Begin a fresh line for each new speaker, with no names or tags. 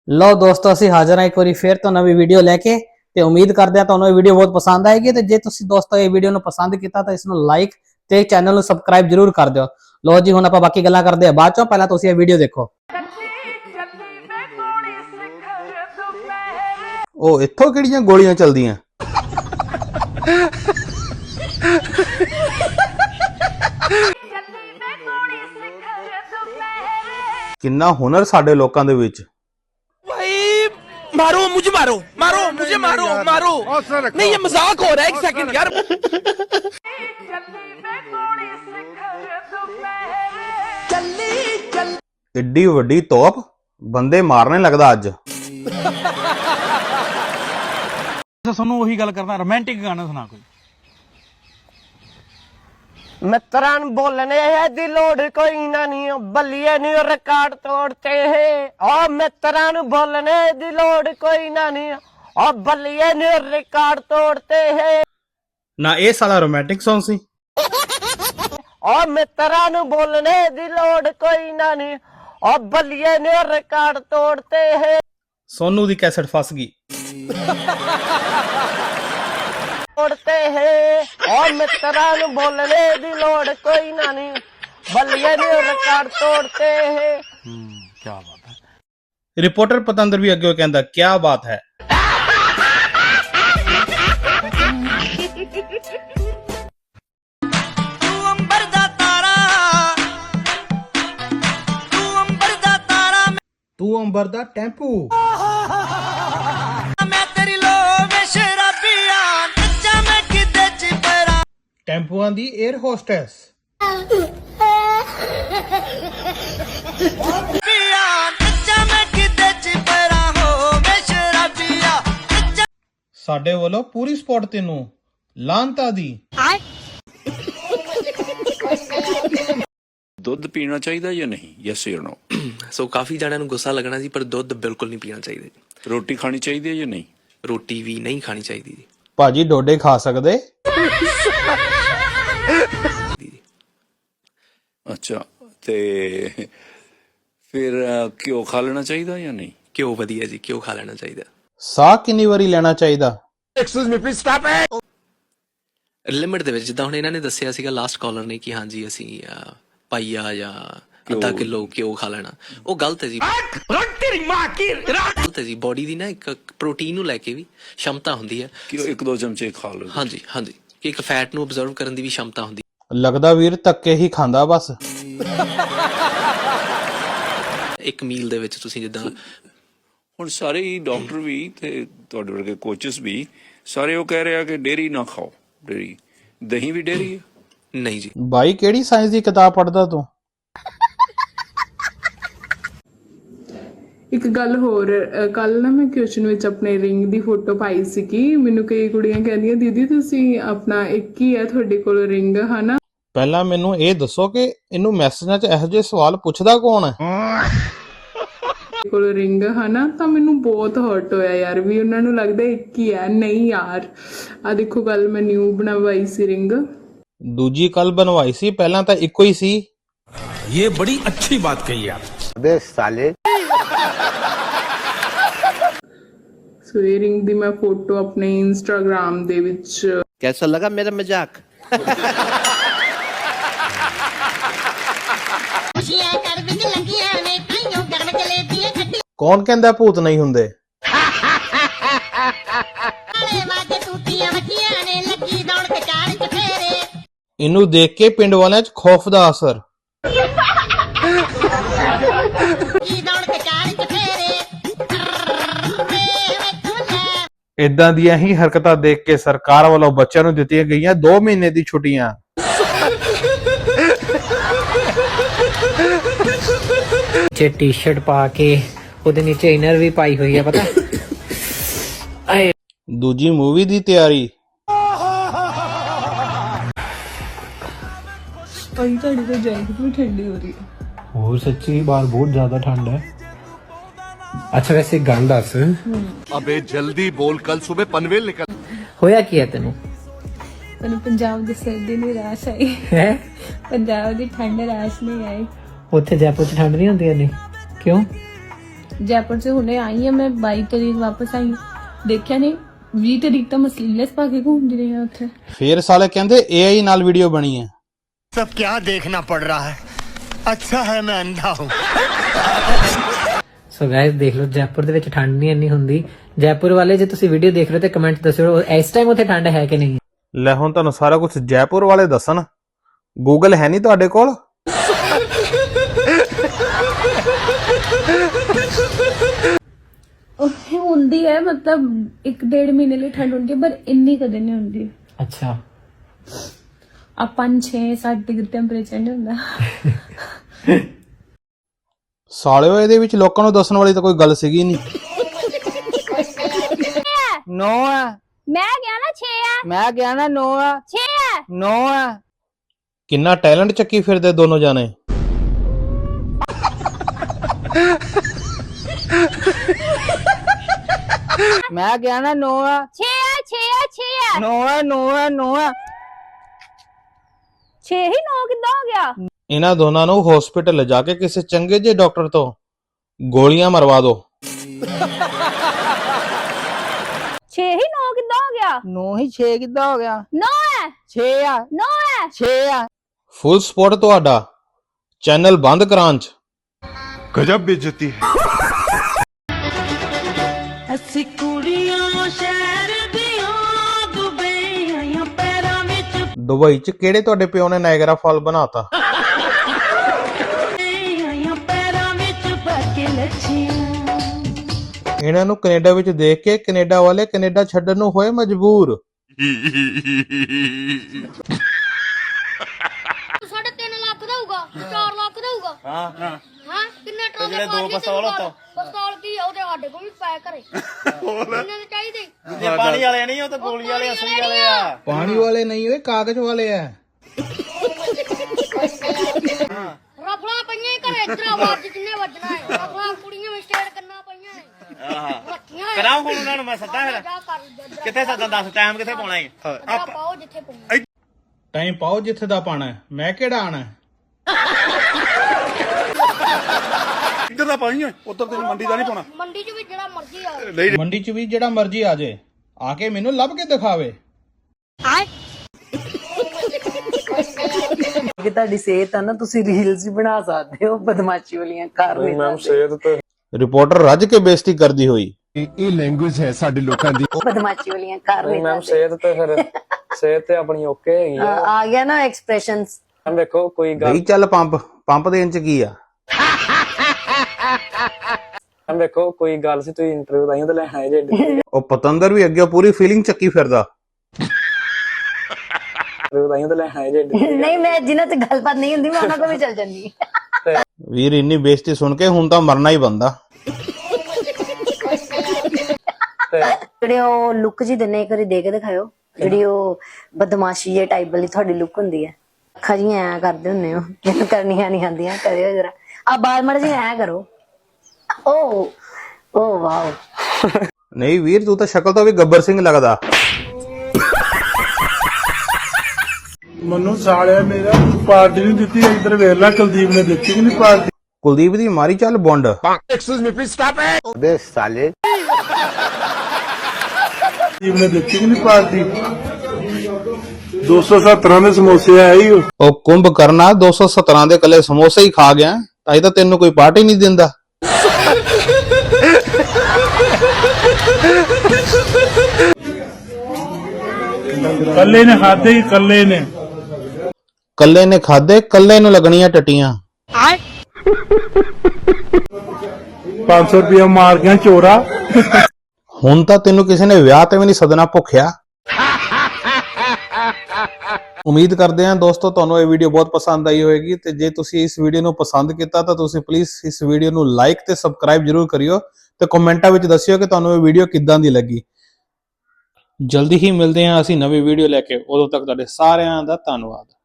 ਲਓ ਦੋਸਤੋ ਅਸੀਂ ਹਾਜ਼ਰ ਹਾਂ ਇੱਕ ਵਾਰੀ ਫੇਰ ਤੋਂ ਨਵੀਂ ਵੀਡੀਓ ਲੈ ਕੇ ਤੇ ਉਮੀਦ ਕਰਦੇ ਹਾਂ ਤੁਹਾਨੂੰ ਇਹ ਵੀਡੀਓ ਬਹੁਤ ਪਸੰਦ ਆਏਗੀ ਤੇ ਜੇ ਤੁਸੀਂ ਦੋਸਤੋ ਇਹ ਵੀਡੀਓ ਨੂੰ ਪਸੰਦ ਕੀਤਾ ਤਾਂ ਇਸ ਨੂੰ ਲਾਈਕ ਤੇ ਚੈਨਲ ਨੂੰ ਸਬਸਕ੍ਰਾਈਬ ਜਰੂਰ ਕਰ ਦਿਓ। ਲਓ ਜੀ ਹੁਣ ਆਪਾਂ ਬਾਕੀ ਗੱਲਾਂ ਕਰਦੇ ਹਾਂ ਬਾਅਦ ਚੋਂ, ਪਹਿਲਾਂ ਤੁਸੀਂ ਇਹ ਵੀਡੀਓ ਦੇਖੋ।
ਉਹ ਇੱਥੋਂ ਕਿਹੜੀਆਂ ਗੋਲੀਆਂ ਚੱਲਦੀਆਂ? ਕਿੰਨਾ ਹੁਨਰ ਸਾਡੇ ਲੋਕਾਂ ਦੇ ਵਿੱਚ।
मारो मुझे, मारो मारो मुझे, मारो मारो नहीं, ये मजाक हो रहा है। एक सेकंड यार।
ਏਡੀ ਵੱਡੀ ਤੋਪ ਬੰਦੇ ਮਾਰਨੇ ਲੱਗਦਾ ਅੱਜ।
ਸਾਨੂੰ ਉਹੀ ਗੱਲ ਕਰਨਾ, ਰੋਮਾਂਟਿਕ ਗਾਣਾ ਸੁਣਾ ਕੋਈ।
मित्रान बोलने है दी लोड कोई ना नहीं, बलिए नहीं रिकॉर्ड तोड़ते हैं। और मित्रान बोलने दी लोड कोई ना नहीं, और बलिए नहीं रिकॉर्ड तोड़ते हैं।
ਨਾ ਇਹ ਸਾਲਾ ਰੋਮਾਂਟਿਕ Song ਸੀ।
और मित्रान बोलने दी लोड कोई ना नहीं, और बलिए नहीं रिकॉर्ड तोड़ते हैं।
ਸੋਨੂ ਦੀ ਕੈਸਟ ਫਸ ਗਈ।
तोड़ते हैं और मित्रान बोलने दी लोड कोई ना नहीं, बलिए नहीं रिकॉर्ड तोड़ते हैं।
ਕੀ ਬਾਤ ਹੈ।
ਰਿਪੋਰਟਰ ਪਤੰਦਰ ਵੀ ਅੱਗੇ ਕਹਿੰਦਾ ਕੀ ਬਾਤ ਹੈ। ਤੂੰ ਅੰਬਰ ਦਾ ਟੈਂਪੂ। ਟੈਂਪੂਆਂ ਦੀ 에ਅਰ ਹੋਸਟੈਸ। ਸਾਡੇ ਵੱਲੋਂ ਪੂਰੀ ਸਪੋਰਟ ਤੈਨੂੰ ਲਾਂਤਾ ਦੀ।
ਦੁੱਧ ਪੀਣਾ ਚਾਹੀਦਾ ਜਾਂ ਨਹੀਂ? ਯੈਸ অর ਨੋ?
ਸੋ ਕਾਫੀ ਜਣਿਆਂ ਨੂੰ ਗੁੱਸਾ ਲੱਗਣਾ ਸੀ, ਪਰ ਦੁੱਧ ਬਿਲਕੁਲ ਨਹੀਂ ਪੀਣਾ ਚਾਹੀਦਾ ਜੀ।
ਰੋਟੀ ਖਾਣੀ ਚਾਹੀਦੀ ਹੈ ਜਾਂ ਨਹੀਂ?
ਰੋਟੀ ਵੀ ਨਹੀਂ ਖਾਣੀ ਚਾਹੀਦੀ ਜੀ।
ਭਾਜੀ ਡੋਡੇ ਖਾ ਸਕਦੇ?
ਅੱਛਾ, ਤੇ ਫਿਰ ਘਿਓ ਖਾ ਲੈਣਾ ਚਾਹੀਦਾ ਜਾਂ ਨਹੀਂ?
ਘਿਓ ਵਧੀਆ ਜੀ, ਘਿਓ ਖਾ ਲੈਣਾ ਚਾਹੀਦਾ।
ਸਾਹ ਕਿੰਨੀ ਵਾਰੀ ਲੈਣਾ ਚਾਹੀਦਾ?
ਲਿਮਿਟ ਦੇ ਵਿੱਚ, ਜਿੱਦਾਂ ਹੁਣ ਇਹਨਾਂ ਨੇ ਦੱਸਿਆ ਸੀਗਾ ਲਾਸਟ ਕਾਲਰ ਨੇ ਕਿ ਹਾਂਜੀ ਅਸੀਂ ਪਾਈਆ ਜਾਂ ਅੱਧਾ ਕਿਲੋ ਘਿਓ ਖਾ ਲੈਣਾ, ਉਹ ਗਲਤ ਹੈ ਜੀ। ਗਲਤ ਹੈ ਜੀ। ਬੋਡੀ ਦੀ ਨਾ ਇੱਕ ਪ੍ਰੋਟੀਨ ਨੂੰ ਲੈ ਕੇ ਵੀ ਸ਼ਮਤਾ ਹੁੰਦੀ ਹੈ
ਕਿ ਇੱਕ ਦੋ ਚਮਚੇ ਖਾ ਲਓ।
ਹਾਂਜੀ ਹਾਂਜੀ, ਕਿ ਇੱਕ ਫੈਟ ਨੂੰ ਅਬਜ਼ਰਵ ਕਰਨ ਦੀ ਵੀ ਸ਼ਮਤਾ ਹੁੰਦੀ।
ਲੱਗਦਾ ਵੀਰ ਧੱਕੇ ਹੀ ਖਾਂਦਾ ਬਸ।
ਇੱਕ ਮੀਲ ਦੇ ਵਿੱਚ ਤੁਸੀਂ ਜਿੱਦਾਂ
ਹੁਣ ਸਾਰੇ ਹੀ ਡਾਕਟਰ ਵੀ ਤੇ ਤੁਹਾਡੇ ਵਰਗੇ ਕੋਚਸ ਵੀ ਸਾਰੇ ਉਹ ਕਹਿ ਰਹੇ ਆ ਕਿ ਡੇਰੀ ਨਾ ਖਾਓ। ਡੇਰੀ, ਦਹੀਂ ਵੀ ਡੇਰੀ ਹੈ?
ਨਹੀਂ ਜੀ।
ਬਾਈ ਕਿਹੜੀ ਸਾਇੰਸ ਦੀ ਕਿਤਾਬ ਪੜ੍ਹਦਾ ਤੂੰ?
ਇੱਕ ਗੱਲ ਹੋਰ, ਕੱਲ ਨਾ ਮੈਂ ਕਿਚਨ ਵਿੱਚ ਆਪਣੇ ਰਿੰਗ ਦੀ ਫੋਟੋ ਪਾਈ ਸੀਗੀ। ਮੈਨੂੰ ਕਈ ਕੁੜੀਆਂ ਕਹਿੰਦੀਆਂ ਦੀਦੀ ਤੁਸੀਂ ਆਪਣਾ ਇੱਕ ਹੀ ਹੈ ਤੁਹਾਡੇ ਕੋਲ ਰਿੰਗ, ਹਨਾ?
ਪਹਿਲਾਂ ਮੈਨੂੰ ਇਹ ਦੱਸੋ ਕਿ ਇਹਨੂੰ ਮੈਸੇਜਾਂ 'ਚ ਇਹੋ ਜਿਹੇ ਸਵਾਲ ਪੁੱਛਦਾ ਕੌਣ ਹੈ?
ਕੋਲ ਰਿੰਗ, ਹਨਾ? ਤਾਂ ਮੈਨੂੰ ਬਹੁਤ ਹਰਟ ਹੋਇਆ ਯਾਰ, ਵੀ ਉਹਨਾਂ ਨੂੰ ਲੱਗਦਾ ਇੱਕ ਹੀ ਹੈ। ਨਹੀਂ ਯਾਰ, ਆ ਦੇਖੋ ਕੱਲ ਮੈਂ ਨਿਊ ਬਣਵਾਈ ਸੀ ਰਿੰਗ।
ਦੂਜੀ ਕੱਲ ਬਣਵਾਈ ਸੀ, ਪਹਿਲਾਂ ਤਾਂ ਇੱਕੋ ਹੀ ਸੀ।
ये बड़ी अच्छी बात कही आप।
ਸੋ ਇਹ ਰਿੰਗ ਦੀ ਮੈਂ ਫੋਟੋ ਆਪਣੇ ਇੰਸਟਾਗ੍ਰਾਮ ਦੇ ਵਿੱਚ
कैसा लगा मेरा मजाक?
ਕੌਣ ਕਹਿੰਦਾ ਭੂਤ ਨਹੀਂ ਹੁੰਦੇ? ਇਹਨੂੰ ਦੇਖ ਕੇ ਪਿੰਡ ਵਾਲਿਆਂ 'ਚ ਖੌਫ ਦਾ ਅਸਰ। ਇਦਾਂ ਦੀਆਂ ਹੀ ਹਰਕਤਾਂ ਦੇਖ ਕੇ ਸਰਕਾਰ ਵੱਲੋਂ ਬੱਚਿਆਂ ਨੂੰ ਦਿੱਤੀਆਂ ਗਈਆਂ 2 ਮਹੀਨੇ ਦੀ ਛੁੱਟੀਆਂ।
नीचे टी शर्ट पा के ਉਹਦੇ ਨੀਚੇ ਇਨਰ ਵੀ ਪਾਈ ਹੋਈ ਹੈ, ਪਤਾ?
ਦੂਜੀ ਮੂਵੀ ਦੀ ਤਿਆਰੀ।
ਅਈ ਤੁਹਾਡੀ ਤਾਂ ਜੈਕਟ ਵੀ ਠੰਡੀ ਹੋ ਰਹੀ ਹੈ।
ਹੋਰ ਸੱਚੀ ਬਾਹਰ ਬਹੁਤ ਜ਼ਿਆਦਾ ਠੰਡ ਹੈ। ਅੱਛਾ ਵੈਸੇ ਗੱਲ ਦੱਸ,
अबे जल्दी बोल, कल सुबह पनवेल निकल।
ਹੋਇਆ ਕੀ ਹੈ ਤੈਨੂੰ?
ਮੈਨੂੰ ਪੰਜਾਬ ਦੀ ਸਰਦੀ ਨਹੀਂ ਰਾਸ ਆਈ
ਹੈ?
ਪੰਜਾਬ ਦੀ ਠੰਡ ਰਾਸ ਨਹੀਂ ਆਈ।
ਉੱਥੇ ਜੈਪੁਰ 'ਚ ਠੰਡ ਨਹੀਂ ਹੁੰਦੀ ਇੰਨੀ? ਕਿਉਂ?
ਜੈਪੁਰ ਸੇ ਹੁਣੇ ਆਈ ਹਾਂ ਮੈਂ 22 ਤਰੀਕ ਵਾਪਸ ਆਈ ਹਾਂ। ਦੇਖਿਆ ਨਹੀਂ 20 ਤਰੀਕ ਤਾਂ ਮੈਂ ਸਲੀਵਲੈਸ ਪਾ ਕੇ ਘੁੰਮਦੀ ਰਹੀ ਹਾਂ ਉੱਥੇ।
ਫੇਰ ਸਾਲੇ ਕਹਿੰਦੇ AI ਨਾਲ ਵੀਡੀਓ ਬਣੀ ਹੈ।
सब क्या देखना पड़ रहा है? अच्छा है मैं अंधा हूँ।
ਸੋ ਗਾਇਸ ਦੇਖ ਲਓ ਜੈਪੁਰ ਦੇ ਵਿੱਚ ਠੰਡ ਨਹੀਂ ਇੰਨੀ ਹੁੰਦੀ। ਜੈਪੁਰ ਵਾਲੇ ਜੇ ਤੁਸੀਂ ਵੀਡੀਓ ਦੇਖ ਰਹੇ ਹੋ ਤੇ ਕਮੈਂਟ ਦੱਸਿਓ ਇਸ ਟਾਈਮ ਉੱਥੇ ਠੰਡ ਹੈ ਕਿ ਨਹੀਂ।
ਲੈ ਹੁਣ ਤੁਹਾਨੂੰ ਸਾਰਾ ਕੁਝ ਜੈਪੁਰ ਵਾਲੇ ਦੱਸਣ। ਗੂਗਲ ਹੈ ਨਹੀਂ ਤੁਹਾਡੇ ਕੋਲ?
ਉੱਥੇ ਹੁੰਦੀ ਹੈ ਮਤਲਬ 1-1.5 ਮਹੀਨੇ ਲਈ ਠੰਡ ਹੁੰਦੀ ਹੈ ਪਰ ਇੰਨੀ ਕਦੇ ਨਹੀਂ ਹੁੰਦੀ।
ਅੱਛਾ
ਆ 5-6-7 ਡਿਗਰੀ ਟੈਂਪਰੇਚਰ ਨਹੀਂ ਹੁੰਦਾ।
ਸਾਲਿਓ ਇਹਦੇ ਵਿੱਚ ਲੋਕਾਂ ਨੂੰ ਦੱਸਣ ਵਾਲੀ ਤਾਂ ਕੋਈ ਗੱਲ ਸੀਗੀ ਨਹੀਂ।
9 ਆ
ਮੈਂ ਗਿਆ ਨਾ 6 ਆ
ਮੈਂ ਗਿਆ ਨਾ 9 ਆ
6 ਆ
9 ਆ
ਕਿੰਨਾ ਟੈਲੈਂਟ ਚੱਕੀ ਫਿਰਦੇ ਦੋਨੋਂ ਜਾਣੇ।
ਮੈਂ ਗਿਆ ਨਾ 9 ਆ
6 ਆ 6 ਆ 6 ਆ
9 ਆ 9 ਆ 9 ਆ
6 ਹੀ 9 ਕਿੱਦਾਂ ਹੋ ਗਿਆ?
ਇਹਨਾਂ ਦੋਨਾਂ ਨੂੰ ਹਸਪੀਟਲ ਲਿਜਾ ਕੇ ਕਿਸੇ ਚੰਗੇ ਜਿਹੇ ਡਾਕਟਰ ਤੋਂ ਗੋਲੀਆਂ ਮਰਵਾ ਦਿਓ।
6 ਹੀ 9 ਕਿੱਦਾਂ ਹੋ ਗਿਆ?
9 ਹੀ 6 ਕਿੱਦਾਂ ਹੋ ਗਿਆ?
9 ਹੈ
6 ਆ
9 ਹੈ
6 ਆ
ਫੁੱਲ ਸਪੋਰਟ ਤੁਹਾਡਾ ਚੈਨਲ ਬੰਦ ਕਰਾਂ ਚ।
गजब बेइज्जती है।
ਅਸੀਂ ਕੁੜੀਆਂ ਸ਼ਹਿਰ ਦੀਆਂ ਦੁਬਈ ਆਈਆਂ ਪੈਰਾਂ ਵਿੱਚ
ਦੁਬਈ ਚ ਕਿਹੜੇ ਤੁਹਾਡੇ ਪਿਓ ਨੇ ਨਾਇਗਰਾ ਫਾਲ ਬਣਾਤਾ?
ਆਈਆਂ ਪੈਰਾਂ ਵਿੱਚ ਪਾ ਕੇ ਲੱਛੀਆਂ।
ਇਹਨਾਂ ਨੂੰ ਕੈਨੇਡਾ ਵਿੱਚ ਦੇਖ ਕੇ ਕੈਨੇਡਾ ਵਾਲੇ ਕੈਨੇਡਾ ਛੱਡਣ ਨੂੰ ਹੋਏ ਮਜਬੂਰ।
3.5 ਲੱਖ ਦਾ ਹੋਊਗਾ 4 ਲੱਖ ਦਾ ਹੋਊਗਾ। ਹਾਂ ਕਿੰਨੇ ਟਰਾਲੇ ਜਿਹੜੇ 2 ਪਿਸਤੌਲ ਕੀ ਉਹਦੇ ਸਾਡੇ ਕੋਲ ਵੀ ਪੈ ਘਰੇ ਕਿੰਨੇ ਦੇ ਚਾਹੀਦੇ?
ये पानी वाले नहीं हो तो गोली वाले असली वाले आ।
ਪਾਣੀ ਵਾਲੇ ਨਹੀਂ ਓਏ ਕਾਗਜ਼ ਵਾਲੇ ਆ।
ਰਫਲਾ ਪਈਆਂ ਹੀ ਘਰੇ ਇਧਰ ਆਵਾਜ਼ ਜਿੰਨੇ ਵੱਜਣਾ ਹੈ ਰਫਲਾ ਕੁੜੀਆਂ ਵਿੱਚ ਸਟੇਟ ਕਰਨਾ ਪਈਆਂ ਹੈ ਰੱਖੀਆਂ
कराऊं फोन उन्होंने मैं सदा फिर
ਜਾ ਕਰ
किथे सदा दस टाइम किथे पाना है?
ਪਾਓ ਜਿੱਥੇ ਪਾਉਣਾ।
ਟਾਈਮ ਪਾਓ ਜਿੱਥੇ ਦਾ ਪਾਣਾ ਹੈ। ਮੈਂ ਕਿਹੜਾ ਆਣਾ ਹੈ?
इधर दा पाई है उधर तेरी मंडी दा नहीं पाना।
ਮੰਡੀ 'ਚ ਵੀ ਜਿਹੜਾ ਮਰਜ਼ੀ ਆਵੇ
ਮੰਡੀ ਚ ਵੀ ਜਿਹੜਾ ਮਰਜ਼ੀ ਆ ਜੇ ਆ ਕੇ ਮੈਨੂੰ ਲੱਭ ਕੇ ਦਿਖਾਵੇ।
ਕਿ ਤੁਹਾਡੀ ਸਿਹਤ ਆ ਨਾ ਤੁਸੀਂ ਰੀਲਸ ਵੀ ਬਣਾ ਸਕਦੇ ਹੋ ਬਦਮਾਸ਼ੀ ਵਾਲੀਆਂ ਕਰ ਨਹੀਂ ਸਕਦੇ।
ਰਿਪੋਰਟਰ ਰੱਜ ਕੇ ਬੇਇੱਜ਼ਤੀ ਕਰਦੀ ਹੋਈ।
ये लैंग्वेज है साडे लोकां दी।
ਬਦਮਾਸ਼ੀ ਵਾਲੀਆਂ ਕਰ ਨਹੀਂ ਸਕਦੇ।
ਸਿਹਤ ਤੇ ਆਪਣੀ ਓਕੇ ਹੈਗੀ
ਆ ਗਿਆ ਨਾ ਐਕਸਪ੍ਰੈਸ਼ਨਸ।
ਦੇਖੋ ਕੋਈ
ਗਈ ਚੱਲ ਪੰਪ ਦੇਣ ਚ ਕੀ ਆ।
ਦੇਖੋ ਕੋਈ ਗੱਲ ਸੀ ਤੁਸੀਂ ਇੰਟਰਵਿਊ ਲਾਈਆਂ ਤਾਂ ਲੈਣ ਆਏ ਜੇ
ਉਹ ਪਤੰਦਰ ਵੀ ਅੱਗੇ ਪੂਰੀ ਫੀਲਿੰਗ ਚੱਕੀ ਫਿਰਦਾ।
ਇੰਟਰਵਿਊ ਲਾਈਆਂ ਤਾਂ ਲੈਣ ਆਏ ਜੇ
ਨਹੀਂ ਮੈਂ ਜਿਨ੍ਹਾਂ ਤੇ ਗੱਲਬਾਤ ਨਹੀਂ ਹੁੰਦੀ ਮੈਂ ਉਹਨਾਂ ਕੋਲ ਵੀ ਚੱਲ ਜਾਂਦੀ।
ਵੀਰ ਇੰਨੀ ਬੇਇੱਜ਼ਤੀ ਸੁਣ ਕੇ ਹੁਣ ਤਾਂ ਮਰਨਾ ਹੀ ਬੰਦਾ।
ਜਿਹੜੇ ਉਹ ਲੁੱਕ ਜੀ ਦਿੰਨੇ ਇੱਕ ਵਾਰੀ ਦੇ ਕੇ ਦਿਖਾਇਓ ਜਿਹੜੀ ਉਹ ਬਦਮਾਸ਼ੀ ਜੇ ਟਾਈਪ ਵਾਲੀ ਤੁਹਾਡੀ ਲੁੱਕ ਹੁੰਦੀ ਹੈ। ਅੱਖਾਂ ਜਿਹੀਆਂ ਐ ਕਰਦੇ ਹੁੰਨੇ ਹੋ ਜਿਹਨੂੰ ਕਰਨੀਆਂ ਨਹੀਂ ਆਉਂਦੀਆਂ ਕਰਿਓ ਜਰਾ ਆ ਬਾਲ ਮੜ ਜੀ ਐ ਕਰੋ। ਓ ਵਾਓ
ਨਹੀਂ ਵੀਰ ਤੂੰ ਤਾਂ ਸ਼ਕਲ ਤੋਂ ਵੀ ਗੱਬਰ ਸਿੰਘ ਲੱਗਦਾ।
ਮੈਨੂੰ ਸਾਲਿਆ ਮੇਰਾ ਪਾਰਟੀ ਨਹੀਂ ਦਿੱਤੀ ਇੱਧਰ ਵੇਖ ਲੈ ਕੁਲਦੀਪ ਨੇ ਦਿੱਤੀ ਕਿ ਨਹੀਂ ਪਾਰਟੀ।
ਕੁਲਦੀਪ ਦੀ ਮਾਰੀ ਚੱਲ ਬੁੰਡ।
अबे साले
ਕੁਲਦੀਪ ਨੇ ਦਿੱਤੀ ਕਿ ਨਹੀਂ ਪਾਰਟੀ। 217 ਦੇ ਸਮੋਸੇ ਆਏ ਹੀ
ਉਹ ਕੁੰਭ ਕਰਨਾ 217 ਦੇ ਕੱਲੇ ਸਮੋਸੇ ਹੀ ਖਾ ਗਿਆ ਤਾਂ ਤਾਂ ਤੈਨੂੰ ਕੋਈ ਪਾਰਟੀ ਨਹੀਂ ਦਿੰਦਾ।
ਕੱਲੇ ਨੇ ਖਾਦੇ ਹੀ ਕੱਲੇ ਨੇ
ਖਾਦੇ ਕੱਲੇ ਨੂੰ ਲੱਗਣੀਆਂ ਟੱਟੀਆਂ।
500 ਰੁਪਇਆ ਮਾਰ ਗਿਆ ਚੋਰਾ।
ਹੁਣ ਤਾਂ ਤੈਨੂੰ ਕਿਸੇ ਨੇ ਵਿਆਹ ਤੇ ਵੀ ਨਹੀਂ ਸੱਦਣਾ ਭੁੱਖਿਆ। ਉਮੀਦ ਕਰਦੇ ਹਾਂ ਦੋਸਤੋ ਤੁਹਾਨੂੰ ਇਹ ਵੀਡੀਓ ਬਹੁਤ ਪਸੰਦ ਆਈ ਹੋਵੇਗੀ ਤੇ ਜੇ ਤੁਸੀਂ ਇਸ ਵੀਡੀਓ ਨੂੰ ਪਸੰਦ ਕੀਤਾ ਤਾਂ ਤੁਸੀਂ ਪਲੀਜ਼ ਇਸ ਵੀਡੀਓ ਨੂੰ ਲਾਈਕ ਤੇ ਸਬਸਕ੍ਰਾਈਬ ਜ਼ਰੂਰ ਕਰਿਓ ਤੇ ਕਮੈਂਟਾਂ ਵਿੱਚ ਦੱਸਿਓ ਕਿ ਤੁਹਾਨੂੰ ਇਹ ਵੀਡੀਓ ਕਿੱਦਾਂ ਦੀ ਲੱਗੀ। ਜਲਦੀ ਹੀ ਮਿਲਦੇ ਹਾਂ ਅਸੀਂ ਨਵੀਂ ਵੀਡੀਓ ਲੈ ਕੇ। ਉਦੋਂ ਤੱਕ ਤੁਹਾਡੇ ਸਾਰਿਆਂ ਦਾ ਧੰਨਵਾਦ।